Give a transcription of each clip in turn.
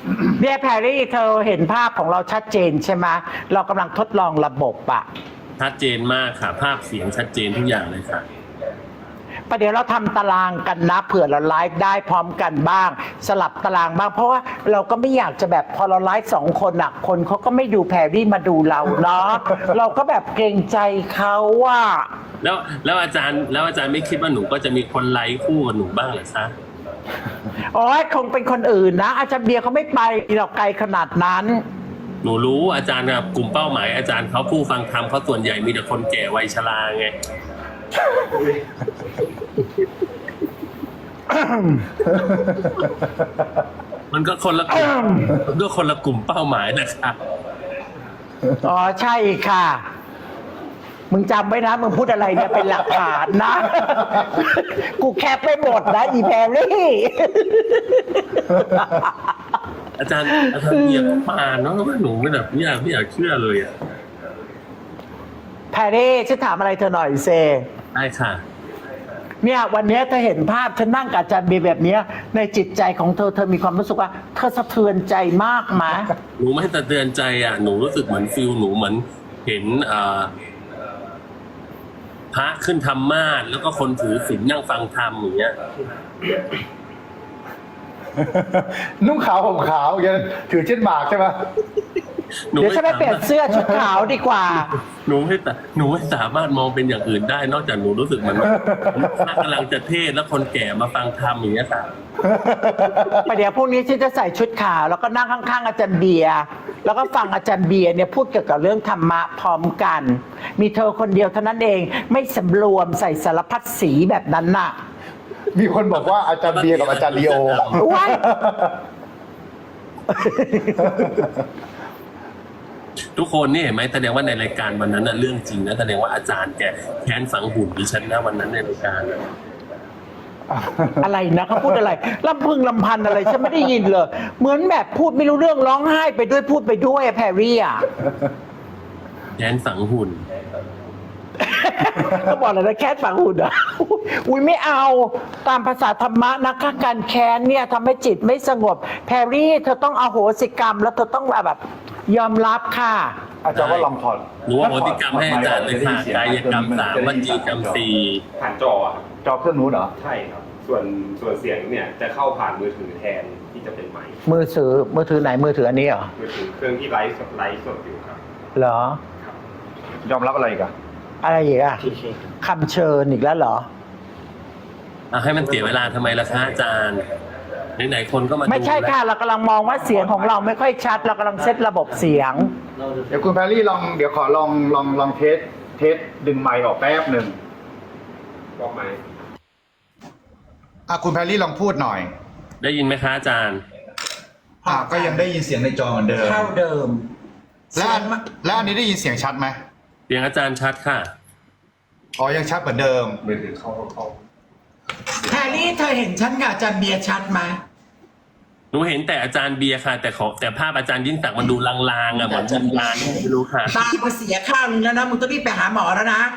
เนี่ยแพรรี่เธอเห็นภาพของเราชัดเจนใช่ไหมเรากำลังทดลองระบบอะชัดเจนมากค่ะ ภาพเสียงชัดเจนทุกอย่างเลยค่ะประเดี๋ยวเราทำตารางกันนะเผื่อเราไลฟ์ได้พร้อมกันบ้าง สลับตารางบ้างเพราะว่าเราก็ไม่อยากจะแบบพอเราไลฟ์2 คนอ่ะคนเขาก็ไม่ดูแพรรี่มาดูเราเนาะ เราก็แบบเกรงใจเขาว่าแล้วอาจารย์ไม่คิดว่าหนูก็จะมีคนไลค์คู่กับหนูบ้างเหรอคะโอ้ยคงเป็นคนอื่นนะอาจารย์เบียร์เขาไม่ไปหรอกไกลขนาดนั้นหนูรู้อาจารย์กับกลุ่มเป้าหมายอาจารย์เขาผู้ฟังธรรมเขาส่วนใหญ่มีแต่คนแก่วัยชราไง มันก็คนละกลุ่มด้วยคนละกลุ่มเป้าหมายนะคะอ๋อใช่ค่ะ มึงจำไว้นะมึงพูดอะไรเนี่ยเป็นหลักฐานนะ กูแคปไปหมดนะอีแพรรี่อาจารย์เบียร์ก็มาเนาะว่าหนูไม่แบบไม่อยากเชื่อเลยอ่ะแพรรี่ฉันถามอะไรเธอหน่อยเซได้ค่ะเนี่ยวันนี้เธอเห็นภาพฉันนั่งกับอาจารย์เบียร์แบบเนี้ยในจิตใจของเธอเธอมีความรู้สึกว่าเธอสะเทือนใจมากไหมหนูไม่สะเตือนใจอ่ะหนูรู้สึกเหมือนฟิลหนูเหมือนเห็นพระขึ้นธรรมาสน์แล้วก็คนถือศีลนั่งฟังธรรมอย่างเงี้ยนุ่งขาวห่มขาวยังถือเช่นหมากใช่ไหมเดี๋ยวฉันไปเปลี่ยนเสื้อชุดขาวดีกว่าหนูไม่สามารถมองเป็นอย่างอื่นได้ นอกจากหนูรู้สึกเหมือนพระกำลังจะเทศน์แล้วคนแก่มาฟังธรรมอย่างเงี้ยค่ะประเดี๋ยวพรุ่งนี้ฉันจะใส่ชุดขาวแล้วก็นั่งข้างๆอาจารย์เบียร์แล้วก็ฟังอาจารย์เบียร์เนี่ยพูดเกี่ยวกับเรื่องธรรมะพร้อมกัน มีเธอคนเดียวเท่านั้นเองไม่สำรวมใส่สารพัดสีแบบนั้นน่ะมีคนบอกว่าอาจารย์เบียร์กับอาจารย์ลีโอว้ายทุกคนนี่เห็นไหมแสดงว่าในรายการวันนั้นน่ะเรื่องจริงนะแสดงว่าอาจารย์แกแค้นฝังหุ่นดิฉันนะวันนั้นในรายการน่ะอะไรนะเขาพูดอะไรลำพึงลำพันอะไรฉันไม่ได้ยินเลย เหมือนแบบพูดไม่รู้เรื่องร้องไห้ไปด้วยพูดไปด้วยอะแพรรี่อะแค้นฝังหุ่นก็บอกเลยนะแค้นฝังหุ่นอ่ะ อุ้ยไม่เอาตามภาษาธรรมะนะคะการแค้นเนี่ยทำให้จิตไม่สงบแพรรี่เธอต้องอโหสิกรรมแล้วเธอต้องแบบยอมรับค่ะอาจารย์ว่าลองถอดหนูว่าโหติกรรมให้อาจารย์เลยค่ะกายกรรม3วจีกรรม4 ผ่านจอครับจอเครื่องนู้นเหรอใช่ครับ ส่วนเสียงเนี่ยจะเข้าผ่านมือถือแทนที่จะเป็นไมค์มือถือไหนมือถืออันนี้เหรอมือถือเครื่องที่ไลฟ์สดอยู่ครับเหรอยอมรับอะไรอีกันอะไรอีกอะคำเชิญอีกแล้วเหรอให้มันเสียเวลาทำไมล่ะคะอาจารย์ไหนๆคนก็มาดูไม่ใช่ค่ะเรากำลังมองว่าเสียงของเราไม่ค่อยชัด เรากำลังเซตระบบเสียงเดี๋ยวคุณแพรรี่เดี๋ยวขอลองเทสดึงไมค์ออกแป๊บหนึ่งบอกไหมคุณแพรรี่ลองพูดหน่อยได้ยินไหมคะอาจารย์ก็ยังได้ยินเสียงในจอเหมือนเดิมเท่าเดิมแล้วอันนี้ได้ยินเสียงชัดไหมเสียงอาจารย์ชัดค่ะอ๋อยังชัดเหมือนเดิมมือถือเข้าแพรรี่เธอเห็นฉันกับอาจารย์เบียร์ชัดไหมหนูเห็นแต่อาจารย์เบียร์ค่ะ แต่ภาพอาจารย์ยิ่งศักดิ์มันดูลางๆอ่ะเหมือนจันลางไม่รู้ค่ะตาก็เสียข้าวนึงแล้วนะมึงต้องรีบไปหาหมอแล้วนะ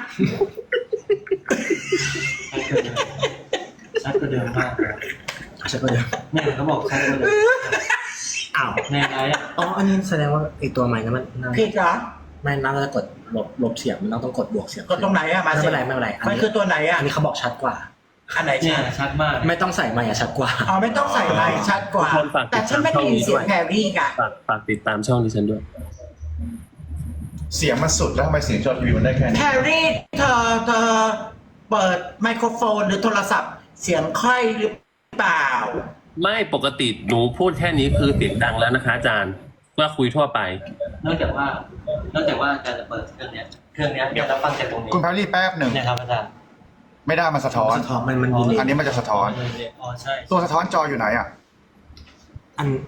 ชัดกว่าเดิมมากเลยชัดกว่าเดิมแม่เขาบอกชัดกว่าเดิมอ้าวแม่ไรอ่ะอ๋ออันนี้แสดงว่าไอตัวใหม่นั้นมันผิดเหรอไม่น่าจะกดลบเสียงมันต้องกดบวกเสียงกดตรงไหนอะมาไม่สิเป็นไรไม่เป็นไรมันคือตัวไหนอะอันนี้เขาบอกชัดกว่าอันไหนเนี่ยชัดชัดมากไม่ต้องใส่ไมค์อะชัดกว่าอ๋อไม่ต้องใส่ไมค์ชัดกว่าทุกคนฝากติดตามแต่ฉันไม่ได้ยินเสียงแพรรี่กะฝากติดตามช่องดิฉันด้วยเสียงมันสุดแล้วทำไมเสียงจอทีวีมันได้แค่แพนี้รรี่เธอเปิดไมโครโฟนหรือโทรศัพท์ เสียงค่อยหรือเปล่าไม่ปกติหนูพูดแค่นี้คือเสียงดังแล้วนะคะ อาจารย์ว่าคุยทั่วไปนอกจากว่าอาจารย์จะเปิดเครื่องเนี้ยจะรับฟังจากตรงนี้คุณแพรรี่แป๊บหนึ่งเนี่ยครับอาจารย์ไม่ได้มันสะท้อนสะท้อนมันดีเลยอันนี้มันจะสะท้อนอ๋อใช่ตัวสะท้อนจออยู่ไหนอ่ะอัน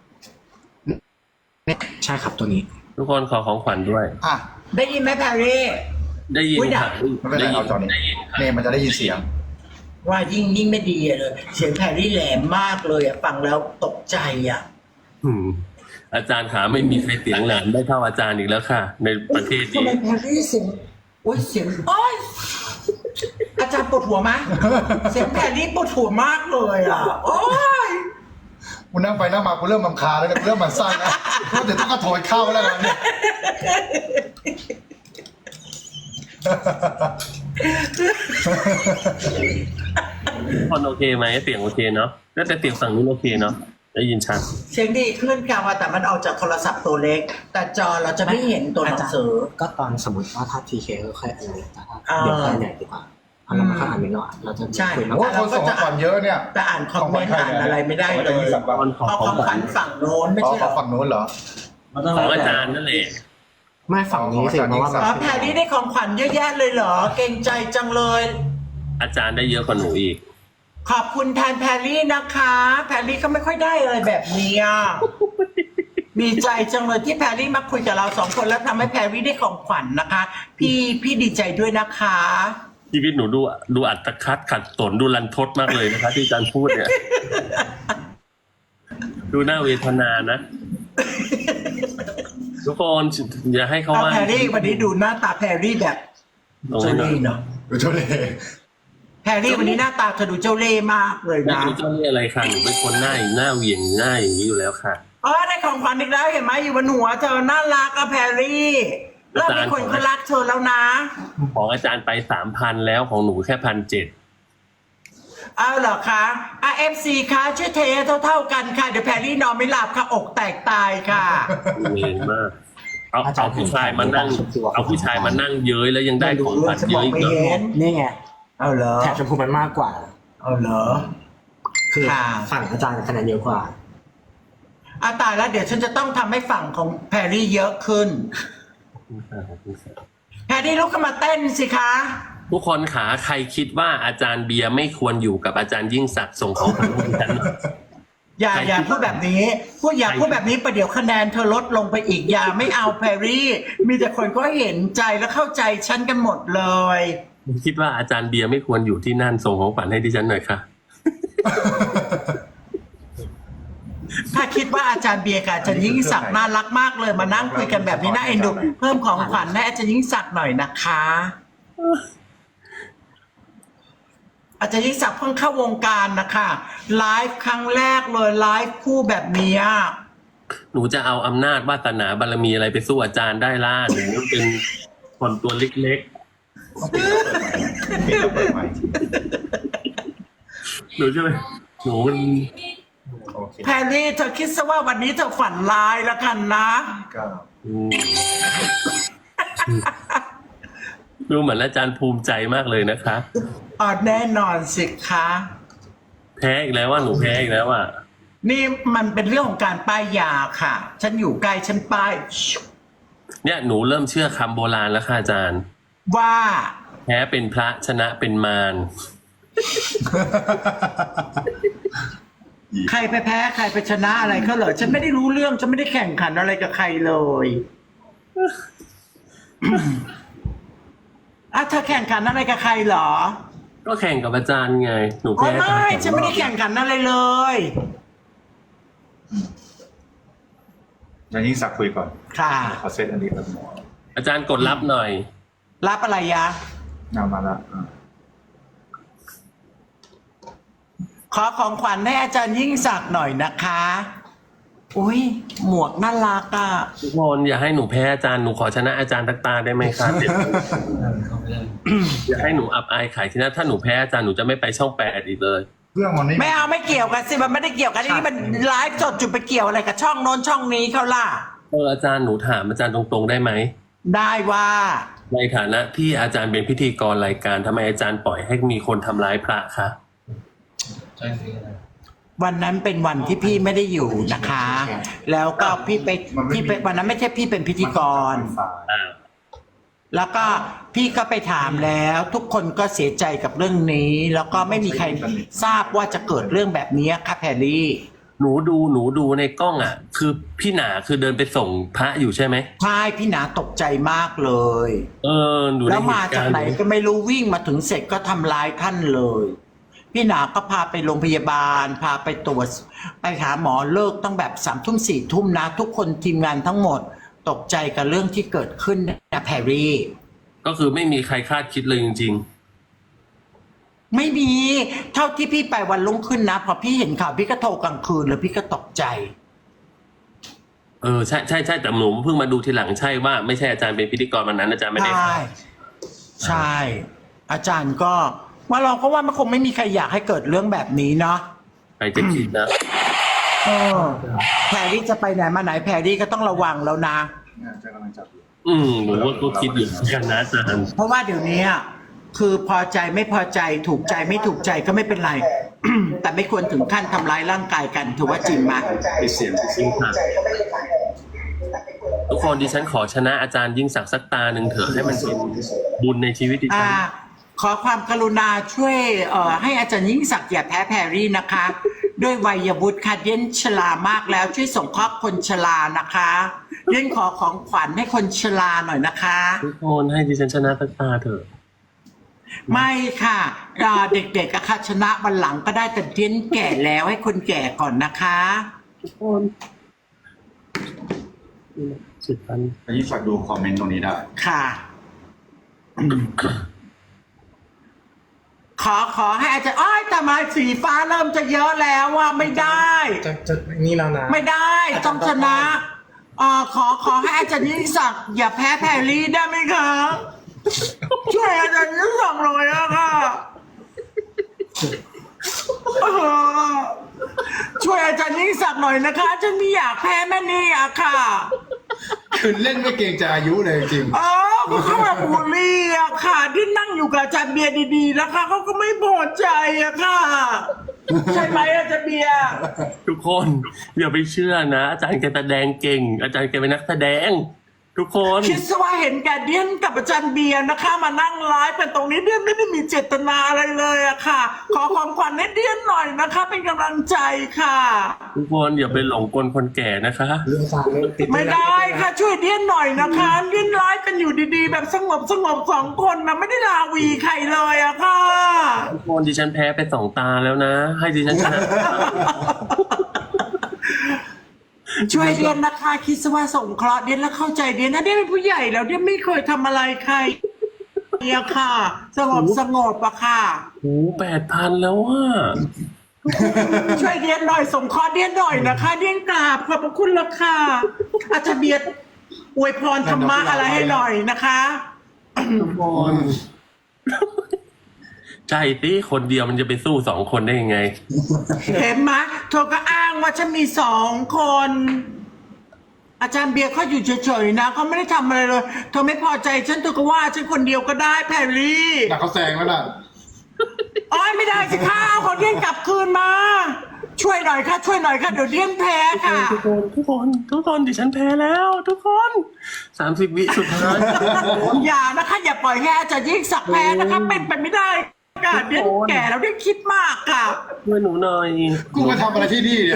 ใช่ครับตัวนี้ทุกคนขอของขวัญด้วยอ่ะได้ยินไหมแพรรี่ได้ยินอุ๊ยดัค่ะงไม่เป็นไรเอาจอนี้ได้ยินเนี่ยมันจะได้ยินเสียงว่ายิ่งไม่ดีอะเลย เสียงแพรรี่แหลมมากเลยอะฟังแล้วตกใจอะอาจารย์ขาไม่มีใครเสียงแหลมได้เท่าอาจารย์อีกแล้วค่ะ ในประเทศทำนี้ไมแพรรี่เสียงโอ้ยเสียงโอ้ยอาจารย์ปวดหัวไหมเสียงแพรรี่ปวดหัวมากเลยอะโอ้ยกูนั่งไปนั่งมากูเริ่มรำคาญแล้วเนี่ยกูเริ่มหมั่นไส้นะว่าเดี๋ยวต้องกระโถยเข้าแล้วกันเนี่ยคนโอเคไหมเสียงโอเคเนาะแล้วแต่เสียงฝั่งนู้นโอเคเนาะได้ยินชัดเสียงดีขึ้นค่ะว่าแต่มันออกจากโทรศัพท์ตัวเล็ก แต่จอเราจะไม่เห็นตัวหนังสือก็ตอนสมมติว่าถ้า TK ก็ค่อยอันนี้แต่ถ้าอ่าเดี๋ยวค่อยใหญ่ดีกว่าเพราะเราไม่ค่อยอ่านเมนูอะเราจะใช่คุยมากโอ้คนส่งของขวัญเยอะเนี่ยแต่อ่านคอมเมนต์อ่านอะไรไม่ได้เลยคนขอเอาขขออง งขขวัวัญญฝั่งโน้นไม่อ๋อใช่เหรอฝั่งนู้นเหรอมันต้องของอาจารย์นั่นแหละไม่ฝั่งนี้สิเพราะว่าอ๋อแพรรี่ได้ของขวัญเยอะแยะเลยเหรอ เก่งใจจังเลยอาจารย์ได้เยอะกว่าหนูอีกขอบคุณแทนแพรรี่นะคะ แพรรี่ก็ไม่ค่อยได้อะไรแบบนี้อ่ะ ดีใจจังเลยที่แพรรี่มาคุยกับเราสองคนแล้วทำให้แพรรี่ได้ของขวัญนะคะ พี่ดีใจด้วยนะคะชีวิตหนูดูอัตคัดขัดสนดูรันทดมากเลยนะคะ ที่อาจารย์พูดเนี่ย ดูน่าเวทนานะ ทุกคนอย่าให้เขาเอาว่าแพรรี่วันนี้ดูหน้าตาแพรรี่แบบตรงเจ้านี้เนาะเล่ห์เนาะดูเท่าไหร่แพรรี่วันนี้หน้าตาเธอดูเจ้าเล่ห์มากเลยไม่นะรู้เจ้าเรียกอะไรค่ะหนูเป็นคนหน้าเหวี่ยงหน้าอย่างนี้อยู่แล้วค่ะอ๋อได้ของขวัญอีกแล้วเห็นไหมอยู่บนหัวเธอน่ารักอะแพรรี่แล้วมีคนเขารักเธอแล้วนะของอาจารย์ไป 3,000 แล้วของหนูแค่ 1,700 เอาเหรอคะFC คะช่วยเทเท่ากันค่ะเดี๋ยวแพรรี่นอนไม่หลับค่ะอกแตกตายค่ะเองมาก เอาผู้ชายมานั่งเย้ยแล้วยังได้ของขวัญเยอะอีกเหรอนี่ไงเอาเหรอแถบชมพูมันมากกว่าเอาเหรอคือค่ะฝั่งอาจารย์คะแนนเยอะกว่าตายแล้วเดี๋ยวฉันจะต้องทำให้ฝั่งของแพรรี่เยอะขึ้น แพรรี่ลุกขึ้นมาเต้นสิคะทุกคนขาใครคิดว่าอาจารย์เบียร์ไม่ควรอยู่กับอาจารย์ยิ่งศักดิ์ส่งของขวัญให้ฉันหน่อยอย่าพูดแบบนี้อย่าพูดแบบนี้ประเดี๋ยวคะแนนเธอลดลงไปอีกอย่าไม่เอาแพรรี่ มีแต่คนก็เห็นใจและเข้าใจฉันกันหมดเลยคิดว่าอาจารย์เบียร์ไม่ควรอยู่ที่นั่นส่งของขวัญให้ดิฉันหน่อยค่ะถ้าคิดว่าอาจารย์เบียร์กับอาจารย์ยิ่งศักดิ์น่ารักมากเลยมานั่งคุยกันแบบนี้น่าเอ็นดูเพิ่มของขวัญให้อาจารย์ยิ่งศักดิ์หน่อยนะคะ อาจารย์ยิ่งศักดิ์เพิ่งเข้าวงการนะคะไลฟ์ครั้งแรกเลยไลฟ์คู่แบบนี้หนูจะเอาอำนาจวาสนาบารมีอะไรไปสู้อาจารย์ได้ล่ะหนูเป็นคนตัวเล็กปิดแล้วเปิดใหม่ๆหนูจะไปหนูมันโอเคแพรรี่เธอคิดซะว่าวันนี้เธอฝันร้ายแล้วกันนะก็อืมดูเหมือนอาจารย์ภูมิใจมากเลยนะคะแน่นอนสิคะแพ้อีกแล้วว่าหนูแพ้อีกแล้วอ่ะนี่มันเป็นเรื่องของการป้ายยาค่ะ ฉันอยู่ใกล้ฉันป้ายเนี่ยหนูเริ่มเชื่อคำโบราณแล้วค่ะอาจารย์ว่าแพ้เป็นพระชนะเป็นมารใครไปแพ้ใครไปชนะอะไรเขาเหรอฉันไม่ได้รู้เรื่องฉันไม่ได้แข่งขันอะไรกับใครเลยเธอแข่งขันอะไรกับใครเหรอก็แข่งกับอาจารย์ไง หนูอ๋อแพ้ไม่ฉันไม่ได้แข่งขันอะไรเลยยังยิ่งสักคุยก่อนค่ะขอเซตอันนี้ครับหมออาจารย์กดรับหน่อยรับอะไรยะเอามาละขอของขวัญให้อาจารย์ยิ่งศักดิ์หน่อยนะคะอุ้ยหมวกน่ารักอ่ะทุกคนอย่าให้หนูแพ้อาจารย์หนูขอชนะอาจารย์ตักตาได้ไหมคะเดี๋ยวอย่าให้หนูอับอายขายที่นั่นถ้าหนูแพ้อาจารย์หนูจะไม่ไปช่อง8อีกเลยเรื่องมันนี่ไม่เอาไม่เกี่ยวกันสิมันไม่ได้เกี่ยวกันนี่มันไลฟ์สดจุดไปเกี่ยวอะไรกับช่องโน้นช่องนี้เขาล่ะอาจารย์หนูถามอาจารย์ตรงๆได้ไหมได้ว่าในฐานะที่อาจารย์เป็นพิธีกรรายการทำไมอาจารย์ปล่อยให้มีคนทำร้ายพระคะวันนั้นเป็นวันที่พี่ไม่ได้อยู่นะคะ แล้วก็พี่ไปวันนั้นไม่ใช่พี่เป็นพิธีกร แล้วก็พี่ก็ไปถามแล้ว ทุกคนก็เสียใจกับเรื่องนี้ แล้วก็ไม่มีใครทราบว่าจะเกิดเรื่องแบบนี้ค่ะแพรรี่หนูดูในกล้องอ่ะ คือพี่หนาคือเดินไปส่งพระอยู่ใช่ไหมใช่พี่หนาตกใจมากเลยหนูแล้วมาจากไหนก็ไม่รู้วิ่งมาถึงเสร็จก็ทำร้ายท่านเลย พี่หนาก็พาไปโรงพยาบาลพาไปตรวจไปหาหมอเลิกต้องแบบ3 ทุ่ม4 ทุ่มนะ ทุกคนทีมงานทั้งหมดตกใจกับเรื่องที่เกิดขึ้นนะแพรรี่ก็คือไม่มีใครคาดคิดเลยจริงไม่มีเท่าที่พี่ไปวันรุ่งขึ้นนะพอพี่เห็นข่าวพี่ก็โทรกลางคืนแล้วพี่ก็ตกใจใช่ใช่ใช่แต่หนูเพิ่งมาดูทีหลังใช่ว่าไม่ใช่อาจารย์เป็นพิธีกรวันนั้นอาจารย์ไม่ได้ใช่ใช่ อาจารย์ก็ว่าเราก็ว่ามันคงไม่มีใครอยากให้เกิดเรื่องแบบนี้เนาะใครจะคิดนะแพรรี่จะไปไหนมาไหนแพรรี่ก็ต้องระวังแล้วนะจะกำลังจับอยู่หนูว่าก็คิดอยู่เหมือนกันนะอาจารย์เพราะว่าเดี๋ยวนี้คือพอใจไม่พอใจถูกใจไม่ถูกใจก็ไม่เป็นไร แต่ไม่ควรถึงขั้นทำร้ายร่างกายกันถือว่าจริงไหมปิดเสียงจริงค่ะทุกคนดิฉันขอชนะอาจารย์ยิ่งศักดิ์สักตาหนึ่งเถอะให้มันเป็นบุญในชีวิตดิฉันขอความกรุณาช่วยให้อาจารย์ยิ่งศักดิ์อย่าแพ้แพรรี่นะคะ ด้วยวัยวุฒิค่ะเดียนชรามากแล้วช่วยส่งเคราะห์คนชรานะคะเดียนขอของขวัญให้คนชราหน่อยนะคะทุกคนให้ดิฉันชนะสักตาเถอะไม่ค่ะเด็กๆอะค่ะชนะวันหลังก็ได้แต่เดียนแก่แล้วให้คนแก่ก่อนนะคะทุกคนสุดพันยิ่งฝากดูคอมเมนต์ตรงนี้ได้ค่ะขอให้อาจารย์อ้อยแต่มาสีฟ้าเริ่มจะเยอะแล้วว่าไม่ได้จะนี่แล้วนะไม่ได้ต้องชนะขอให้อาจารย์ยิ่งศักดิ์อย่าแพ้แพรรี่ได้ไหมคะช่วยอาจารย์ยิ่งศักดิ์หน่อยอะค่ะช่วยอาจารย์ยิ่งศักดิ์หน่อยนะคะฉันไม่อยากแพ้แม่นี่อะค่ะคือเล่นไม่เกรงใจอายุเลยจริงก็เขาแบบบูลลี่อะค่ะที่นั่งอยู่กับอาจารย์เบียร์ดีๆนะคะเขาก็ไม่พอใจอะค่ะใช่ไหมอาจารย์เบียร์ทุกคนอย่าไปเชื่อนะอาจารย์แกแสดงเก่ง อาจารย์แกเป็นนักแสดง ทุกคนคิดซะว่าเห็นแกเดียนกับอาจารย์เบียร์นะคะ มานั่งไลฟ์เป็นตรงนี้เดียนไม่ได้มีเจตนาอะไรเลยอะค่ะ ขอของขวัญให้เดียนหน่อยนะคะ เป็นกำลังใจค่ะทุกคนอย่าไปหลงกลคนแก่นะคะเรื่องการติดไม่ได้ค่ะช่วยเดียนหน่อยนะคะเดียนไลฟ์กันอยู่ดีๆ แบบสงบสองคนนะไม่ได้ลาวีใครเลยอะค่ะทุกคนดิฉันแพ้ไป2 ตาแล้วนะ ให้ดิฉันชนะช่วยเดียนนะคะ คิดซะว่าสงเคราะห์เดียนแล้วเข้าใจเดียนนะเดียนเป็นผู้ใหญ่แล้วเดียนไม่เคยทำอะไรใครเนี่ยค่ะ สงบอะค่ะโอ้8,000แล้วอ่ะช่วยเดียนหน่อยส่งเคราะห์เดียนหน่อยนะคะ เดียนกราบขอบพระคุณละค่ะอาจารย์เบียร์อวยพรธรรมะอะไรให้หน่อยนะคะทุกคนใช่สิคนเดียวมันจะไปสู้2 คนได้ยังไงเห็นไหมเธอก็อ้างว่าฉันมี2 คน อาจารย์เบียร์เขาอยู่เฉยๆนะเขาไม่ได้ทำอะไรเลยเธอไม่พอใจฉันเธอก็ว่าฉันคนเดียวก็ได้แพรรี่แต่เขาแซงแล้วน่ะอ้อยไม่ได้สิค่ะเอาของเดียนกลับคืนมา ช่วยหน่อยค่ะช่วยหน่อยค่ะเดี๋ยวเดียนแพ้ค่ะทุกคนดิฉันแพ้แล้ว ทุกคน30 วิสุดท้ายอย่านะคะอย่าปล่อยให้อาจารย์ยิ่งศักดิ์แพ้นะคะเป็นไปไม่ได้ค่ะเดียนแก่แล้วเดียนคิดมากค่ะช่วยหนูหน่อยกูมาทำอะไรที่นี่เนี่ย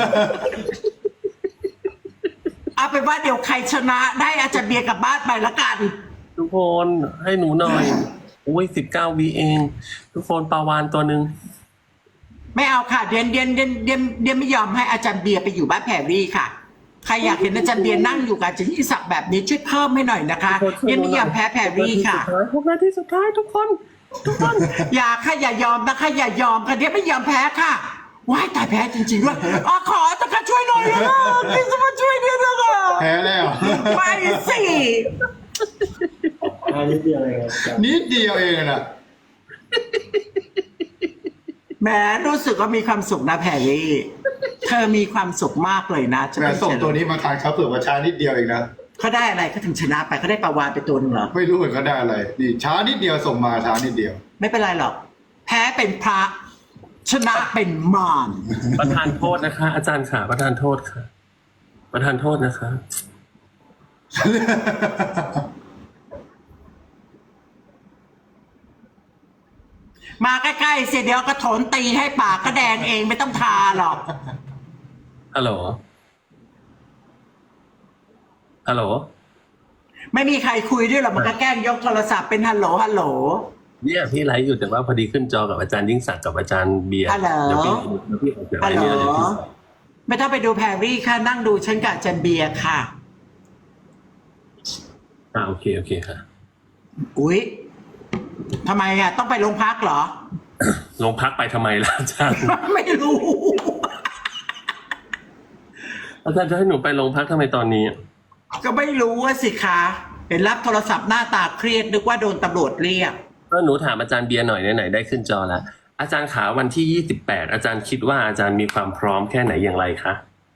เอาเป็นว่าเดี๋ยวใครชนะได้อาจารย์เบียร์กลับบ้านไปละกันทุกคนให้หนูหน่อยโอ้ย19 วิเอง ทุกคนปลาวานตัวหนึ่งไม่เอาค่ะเดียนไม่ยอมให้อาจารย์เบียร์ไปอยู่บ้านแพรรี่ค่ะใครอยากเห็นอาจารย์เบียร์นั่งอยู่กับอาจารย์ยิ่งศักดิ์แบบนี้ช่วยเพิ่มให้หน่อยนะคะเดียนไม่ยอมแพ้แพรรี่ค่ะ 6 นาทีสุดท้ายทุกคนอย่าค่ะอย่ายอมนะคะอย่ายอมค่ะเดียนไม่ยอมแพ้ค่ะว้ายตายแพ้จริงๆด้วยขอตะค่ะช่วยหน่อยนะพี่จะมาช่วยเดียนนะคะแพ้แล้วไม่สินิดเดียวเองนิดเดียวเองน่ะแหมรู้สึกว่ามีความสุขนะแพรรี่เธอมีความสุขมากเลยนะจะแม่ส่งตัวนี้มาทานเขาเผื่อว่าช้านิดเดียวเองนะเขาได้อะไรเขาถึงชนะไปเขาได้ปลาวานไปตัวหนึงเหรอไม่รู้เหมือนเขาได้อะไร นี่ช้านิดเดียวส่งมาช้านิดเดียวไม่เป็นไรหรอก แพ้เป็นพระ ชนะเป็นมารประธานโทษนะคะ อาจารย์ค่ะประธานโทษค่ะ ประธานโทษนะคะมาใกล้ๆเสียเดี๋ยวกระโถนตีให้ปากก็แดงเองไม่ต้องทาหรอกฮัลโหล ฮัลโหลไม่มีใครคุยด้วยหรอกมันก็แกล้งยกโทรศัพท์เป็นฮัลโหลฮัลโหลเนี่ยพี่ไลฟ์อยู่แต่ว่าพอดีขึ้นจอกับอาจารย์ยิ่งศักดิ์กับอาจารย์เบียร์ฮัลโหลเดี๋ยวพี่ออกจากไลฮัลฟ์โหลเนี่ยเดี๋ยวพี่ไม่ต้องไปดูแพรรี่ค่ะนั่งดูฉันกับอาจันเบียร์ค่ะโอเคค่ะอุ๊ยทำไมอ่ะต้องไปโรงพักเหรอโรงพักไปทำไมล่ะอาจารย์ไม่รู้อาจารย์จะให้หนูไปโรงพักทำไมตอนนี้ก็ไม่รู้ว่าสิคะเห็นรับโทรศัพท์หน้าตาเครียดนึกว่าโดนตำรวจเรียกก็หนูถามอาจารย์เบียร์หน่อยไหนๆได้ขึ้นจอแล้วอาจารย์ขาวันที่28อาจารย์คิดว่าอาจารย์มีความพร้อมแค่ไหนอย่างไรคะ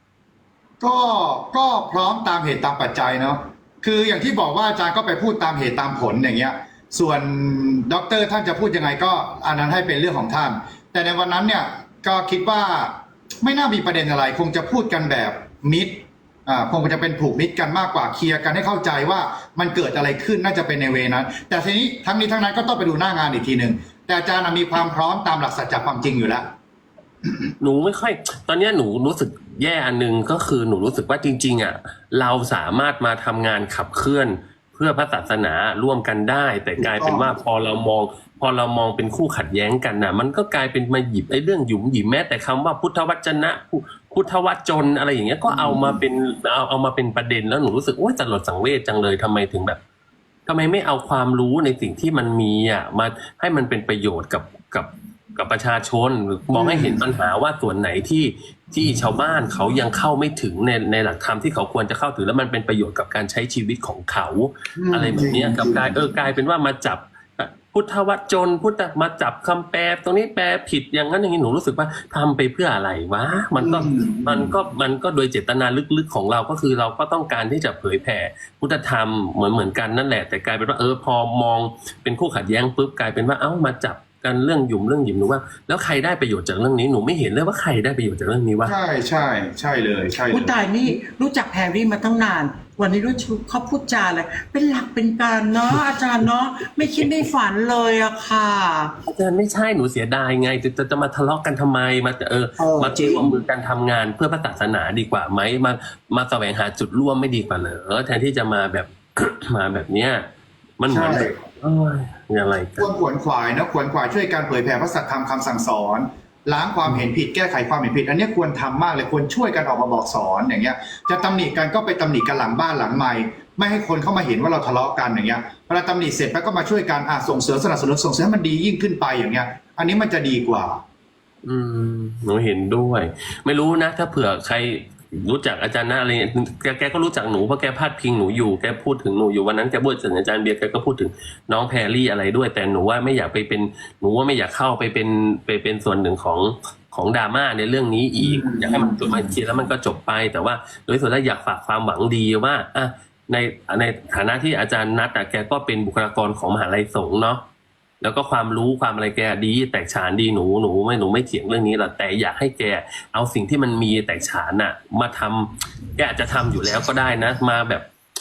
ก็พร้อมตามเหตุตามปัจจัยเนาะคืออย่างที่บอกว่าอาจารย์ก็ไปพูดตามเหตุตามผลอย่างเงี้ยส่วนด็อกเตอร์ท่านจะพูดยังไงก็อันนั้นให้เป็นเรื่องของท่านแต่ในวันนั้นเนี่ยก็คิดว่าไม่น่ามีประเด็นอะไรคงจะพูดกันแบบมิตรคงจะเป็นผูกมิตรกันมากกว่าเคลียร์กันให้เข้าใจว่ามันเกิดอะไรขึ้นน่าจะเป็นในเวนั้นแต่ทีนี้ทั้งนี้ทั้งนั้นก็ต้องไปดูหน้างานอีกทีหนึ่งแต่อาจารย์มีความพร้อมตามหลักสัจจะความจริงอยู่แล้วหนูไม่ค่อยตอนเนี้ยหนูรู้สึกแย่อันนึงก็คือหนูรู้สึกว่าจริงๆอ่ะเราสามารถมาทำงานขับเคลื่อนเพื่อพระศาสนาร่วมกันได้ แต่กลายเป็นว่าพอเรามองเป็นคู่ขัดแย้งกันน่ะมันก็กลายเป็นมาหยิบไอ้เรื่องหยุมหยิมแม้แต่คำว่าพุทธวจนะพุทธวจนอะไรอย่างเงี้ยก็เอามาเป็นประเด็นแล้วหนูรู้สึกโอ๊ยสลดสังเวชจังเลยทำไมถึงแบบทำไมไม่เอาความรู้ในสิ่งที่มันมีอ่ะมาให้มันเป็นประโยชน์กับประชาชนมองให้เห็นปัญหาว่าส่วนไหนที่ชาวบ้านเขายังเข้าไม่ถึงในหลักธรรมที่เขาควรจะเข้าถึงแล้วมันเป็นประโยชน์กับการใช้ชีวิตของเขาอะไรแบบนี้กับกลายเป็นว่ามาจับพุทธวจนมาจับคำแปลตรงนี้แปลผิดอย่างนั้นอย่างนี้หนูรู้สึกว่าทำไปเพื่ออะไรวะมันก็โดยเจตนาลึกๆของเราก็คือเราก็ต้องการที่จะเผยแผ่พุทธธรรมเหมือนกันนั่นแหละแต่กลายเป็นว่าพอมองเป็นคู่ขัดแย้งปุ๊บกลายเป็นว่ามาจับกันเรื่องหยุมหนูว่าแล้วใครได้ประโยชน์จากเรื่องนี้หนูไม่เห็นเลยว่าใครได้ประโยชน์จากเรื่องนี้วะใช่เลยใช่เลยผู้ตายนี่รู้จักแพรรี่มาตั้งนาน วันนี้รู้เขาพูดจาอะไรเป็นหลักเป็นการเนาะอาจารย์เนาะไม่คิดไม่ฝันเลยอะค่ะอาจารย์ไม่ใช่หนูเสียดายไงจะมาทะเลาะกันทำไมมามาร่วมมือกันทำงานเพื่อพระศาสนาดีกว่าไหมมาแสวงหาจุดร่วมไม่ดีกว่าเหรอแทนที่จะมาแบบ มาแบบเนี้ยมันเหมือนแบบอะไรกันควรขวนขวายนะขวนขวายช่วยการเผยแผ่พระสัทธรรมคำสั่งสอนล้างความเห็นผิดแก้ไขความเห็นผิดอันนี้ควรทำมากเลยควรช่วยกันออกมาบอกสอนอย่างเงี้ยจะตำหนิกันก็ไปตำหนิกันหลังบ้านหลังไมค์ไม่ให้คนเข้ามาเห็นว่าเราทะเลาะกันอย่างเงี้ยเวลาตำหนิเสร็จแล้วก็มาช่วยกันส่งเสริมสนับสนุนส่งเสริมให้มันดียิ่งขึ้นไปอย่างเงี้ยอันนี้มันจะดีกว่าหนูเห็นด้วยไม่รู้นะถ้าเผื่อใครรู้จักอาจารย์นะอะไรแกก็รู้จักหนูเพราะแกพาดพิงหนูอยู่แกพูดถึงหนูอยู่วันนั้นแกพูดถึงอาจารย์เบียร์แกก็พูดถึงน้องแพรรี่อะไรด้วยแต่หนูว่าไม่อยากไปเป็นหนูว่าไม่อยากเข้าไปเป็นส่วนหนึ่งของดราม่าในเรื่องนี้อีกอยากให้มันจบมาเคลียร์แล้วมันก็จบไปแต่ว่าโดยส่วนแล้วอยากฝากความหวังดีว่าในฐานะที่อาจารย์นัทแกก็เป็นบุคลากรของมหาลัยสงฆ์เนาะแล้วก็ความรู้ความอะไรแกดีแตกฉานดีหนูไม่เถียงเรื่องนี้หรอกแต่อยากให้แกเอาสิ่งที่มันมีแตกฉานน่ะมาทำแกอาจจะทำอยู่แล้วก็ได้นะมาแบบ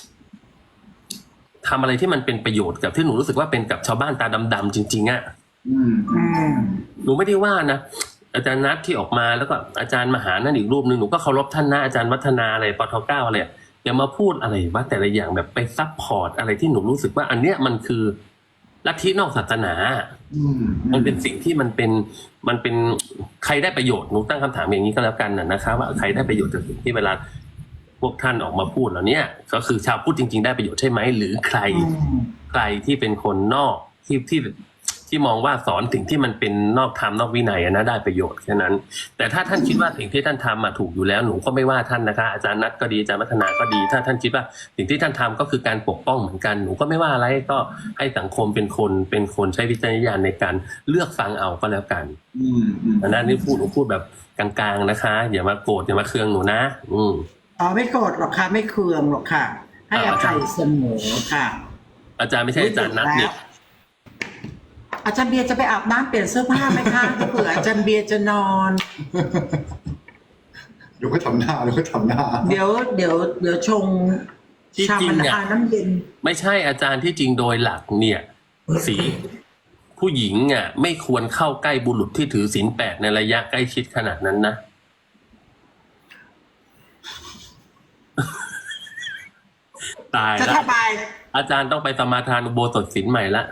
ทำอะไรที่มันเป็นประโยชน์กับที่หนูรู้สึกว่าเป็นกับชาวบ้านตาดำๆจริงๆอ่ะหนูไม่ได้ว่านะอาจารย์นัทที่ออกมาแล้วก็อาจารย์มหานั่นอีกรูปนึงหนูก็เคารพท่านนะอาจารย์วัฒนาอะไรปท.9อะไรอย่ามาพูดอะไรว่าแต่ละอย่างแบบไปซัพพอร์ตอะไรที่หนูรู้สึกว่าอันเนี้ยมันคือลัทธินอกศาสนามันเป็นสิ่งที่มันเป็นใครได้ประโยชน์หนูตั้งคำถามอย่างนี้ก็แล้วกันนะคะว่าใครได้ประโยชน์จากสิ่งที่เวลาพวกท่านออกมาพูดเหล่านี้ก็คือชาวพุทธจริงๆได้ประโยชน์ใช่ไหมหรือใครที่เป็นคนนอกที่มองว่าสอนสิ่งที่มันเป็นนอกธรรมนอกวินัยนะได้ประโยชน์แค่นั้นแต่ถ้าท่านคิดว่าสิ่งที่ท่านทำถูกอยู่แล้วหนูก็ไม่ว่าท่านนะคะอาจารย์นัทก็ดีอาจารย์วัฒนาก็ดีถ้าท่านคิดว่าสิ่งที่ท่านทำก็คือการปกป้องเหมือนกันหนูก็ไม่ว่าอะไรก็ให้สังคมเป็นคนใช้วิจารณญาณในการเลือกฟังเอาก็แล้วกันอันนั้นนี่หนูพูดแบบกลางๆนะคะอย่ามาโกรธอย่ามาเคืองหนูนะไม่โกรธหรอกค่ะไม่เคืองหรอกค่ะให้อภัยเสมอค่ะอาจารย์ไม่ใช่อาจารย์นัทเนี่ยอาจารย์เบียร์จะไปอาบน้ำเปลี่ยนเสื้อผ้าไหมคะเผื่ออาจารย์เบียร์จะนอนเดี๋ยวก็ทำหน้าเดี๋ยวชงชามันน้ำเย็นไม่ใช่อาจารย์ที่จริงโดยหลักเนี่ยสีผู้หญิงไม่ควรเข้าใกล้บุรุษที่ถือศีล 8ในระยะใกล้ชิดขนาดนั้นนะตายแล้วอาจารย์ต้องไปสมาทานอุโบสถศีลใหม่ละ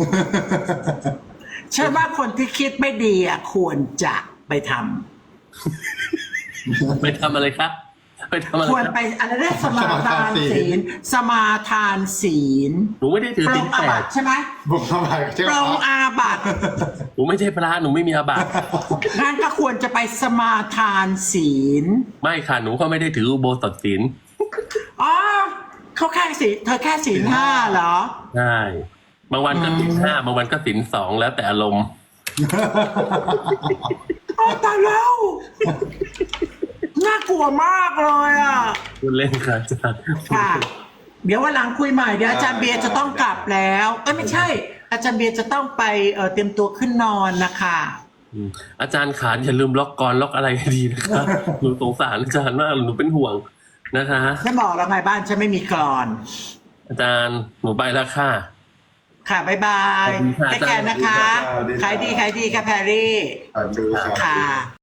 เชื่อว่าคนที่คิดไม่ดีควรจะไปทำอะไรครับไปทำอะไรควรไปอะไรได้สมาทานศีล สมาทานศีลหนูไม่ได้ถือปรศีงลอาแปบัดติใช่ไหมบุกเข้าไปใช่ไหปมรงอาบัติหนูไม่ใช่พระหนูไม่มีอาบัติงั้นก็ควรจะไปสมาทานศีลไม่ค่ะหนูก็ไม่ได้ถืออุโบสถศีลอ๋อเขาแค่ศีลเธอแค่ศีลห้าเหรอใช่บางวันก็ศีล5บางวันก็ศีล2แล้วแต่อารมณ์โอ้ตายแล้ว น่ากลัวมากเลยอ่ะพูดเล่นค่ะอาจารย์ค่ะ เดี๋ยววันหลังคุยใหม่เดี๋ยวอาจารย์เบียร์จะต้องกลับแล้วไม่ใช่ อาจารย์เบียร์จะต้องไปเตรียมตัวขึ้นนอนนะคะอาจารย์ขาอย่าลืมล็อกกรล็อกอะไรให้ดีนะคะหนูสงสารอาจารย์มากหนูเป็นห่วงนะคะฉันบอกแล้วไงบ้านฉันไม่มีกรอนอาจารย์หนูไปแล้วค่ะค่ะบ๊ายบายขอบคุณค่ะได้แก่นะคะ ขายดีค่ะแพรรี่ดูครับค่ะ